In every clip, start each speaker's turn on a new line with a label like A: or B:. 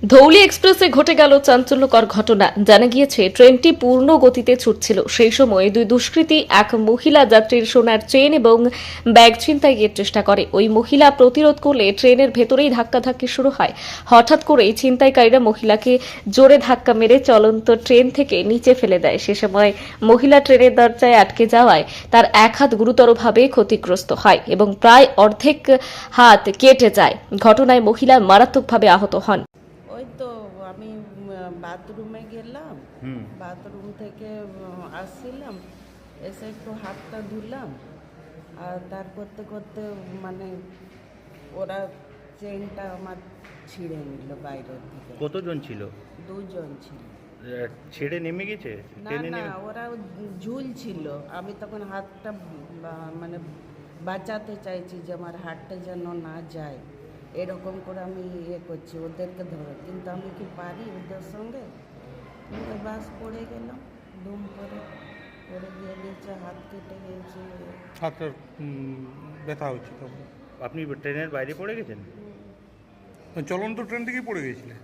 A: ধৌলি এক্সপ্রেসে ঘটে গেল চাঞ্চল্যকর ঘটনা। জানা গিয়েছে ট্রেনটি পূর্ণ গতিতে ছুটছিল। সেই সময় দুই দুষ্কৃতী এক মহিলা যাত্রীর সোনার চেন এবং ব্যাগ ছিনতাইয়ের চেষ্টা করে। ওই মহিলা প্রতিরোধ করলে ট্রেনের ভেতরেই ধাক্কাধাক্কি শুরু হয়। হঠাৎ করেই ছিনতাইকারীরা মহিলাকে জোরে ধাক্কা মেরে চলন্ত ট্রেন থেকে নিচে ফেলে দেয়। সে সময় মহিলা ট্রেনের দরজায় আটকে যাওয়ায় তার এক হাত গুরুতরভাবে ক্ষতিগ্রস্ত হয় এবং প্রায় অর্ধেক হাত কেটে যায়। ঘটনায় মহিলা মারাত্মকভাবে আহত হন।
B: ওই তো আমি বাথরুমে গেলাম, বাথরুম থেকে আসছিলাম, এসে একটু হাতটা ধুলাম, আর তার করতে করতে মানে ওরা চেনটা আমার ছিঁড়ে নিল বাইরের থেকে।
C: কতজন ছিল?
B: দুজন ছিল।
C: ছেড়ে নেমে গেছে?
B: না না, ওরা ঝুল ছিল। আমি তখন হাতটা মানে বাঁচাতে চাইছি যে আমার হাতটা যেন না যায়, এরকম করে আমি করছি ওদেরকে ধরে, কিন্তু আমি কি পারি ওদের সঙ্গে? বাস পড়ে গেলাম, ধুম করে পড়ে গিয়ে নিচে হাত কেটে গিয়েছে।
D: হাতটা ব্যথা হচ্ছে তখন?
C: আপনি ট্রেনের বাইরে পড়ে গেছেন?
D: চলন্ত ট্রেন থেকেই পড়ে গিয়েছিলেন?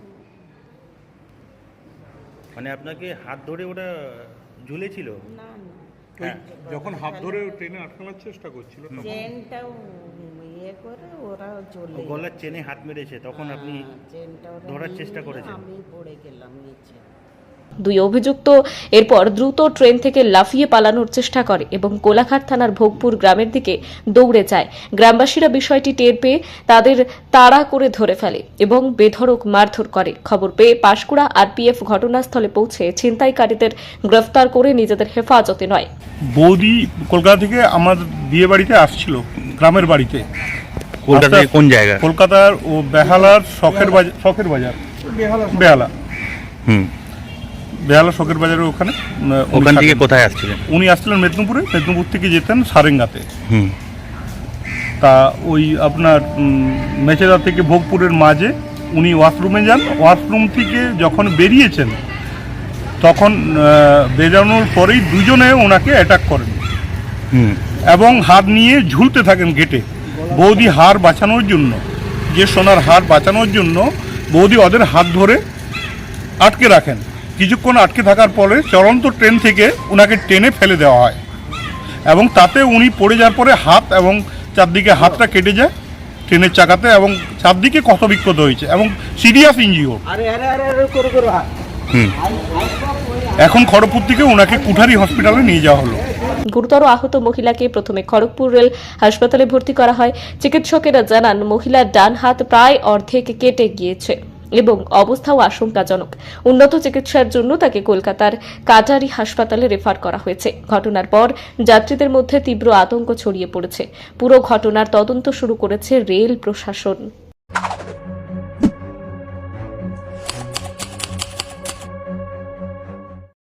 C: মানে আপনাকে হাত ধরে ওটা ঝুলেছিল?
B: না না,
C: হ্যাঁ।
D: যখন হাত ধরে ট্রেনে আটকানোর চেষ্টা করছিল তখন?
B: চেনটাও করে ওরা চলে
C: গলার চেনে হাত মেরেছে, তখন আপনি
B: চেনটা
C: ধরার চেষ্টা করেছেন?
B: আমি পড়ে গেলাম নিচে।
A: দুই অভিযুক্ত এরপর দ্রুত ট্রেন থেকে লাফিয়ে পালানোর চেষ্টা করে এবং কোলাঘাট থানার ভোগপুর গ্রামের দিকে দৌড়ে যায়। গ্রামবাসীরা বিষয়টি টের পেয়ে তাদের তাড়া করে ধরে ফেলে এবং বেধড়ক মারধর করে। খবর পেয়ে পাঁশকুড়া আরপিএফ ঘটনাস্থলে পৌঁছে ছিনতাইকারীদের গ্রেফতার করে নিজেদের হেফাজতে নয়।
D: বৌদি কলকাতা থেকে আমার বিয়ে বাড়িতে আসছিল, গ্রামের বাড়িতে।
C: কলকাতা থেকে কোন জায়গা?
D: কলকাতার ও বেহালার শখের বাজার, বেহালা। বেহালা শখের বাজারের ওখানে।
C: ওখান থেকে কোথায় আসছিলেন?
D: উনি আসছিলেন মেদিনীপুরে, মেদিনীপুর থেকে যেতেন সারেঙ্গাতে। তা ওই আপনার মেচেদা থেকে ভোগপুরের মাঝে উনি ওয়াশরুমে যান। ওয়াশরুম থেকে যখন বেরিয়েছেন তখন বেরানোর পরেই দুজনে ওনাকে অ্যাটাক করেন এবং হাত নিয়ে ঝুলতে থাকেন গেটে। বৌদি হার বাঁচানোর জন্য, যে সোনার হার বাঁচানোর জন্য বৌদি ওদের হাত ধরে আটকে রাখেন। কিছুক্ষণ আটকে থাকার পরে চলন্ত ট্রেন থেকে ওনাকে টেনে ফেলে দেওয়া হয় এবং তাতে উনি পড়ে যাওয়ার পরে হাত এবং চারদিকে হাতটা কেটে যায় ট্রেনের চাকাতে এবং চারদিকে ক্ষতবিক্ষত হয়েছে এবং সিরিয়াস ইনজিওর। এখন খড়গপুর থেকে ওনাকে কুঠারি হসপিটালে নিয়ে যাওয়া হলো।
A: গুরুতর আহত মহিলাকে প্রথমে খড়গপুর রেল হাসপাতালে ভর্তি করা হয়। চিকিৎসকেরা জানান মহিলার ডান হাত প্রায় অর্ধেক কেটে গিয়েছে এবং অবস্থাও আশঙ্কাজনক। উন্নত চিকিৎসার জন্য তাকে কলকাতার কাটারি হাসপাতালে রেফার করা হয়েছে। ঘটনার পর যাত্রীদের মধ্যে তীব্র আতঙ্ক ছড়িয়ে পড়েছে। পুরো ঘটনার তদন্ত শুরু করেছে রেল প্রশাসন।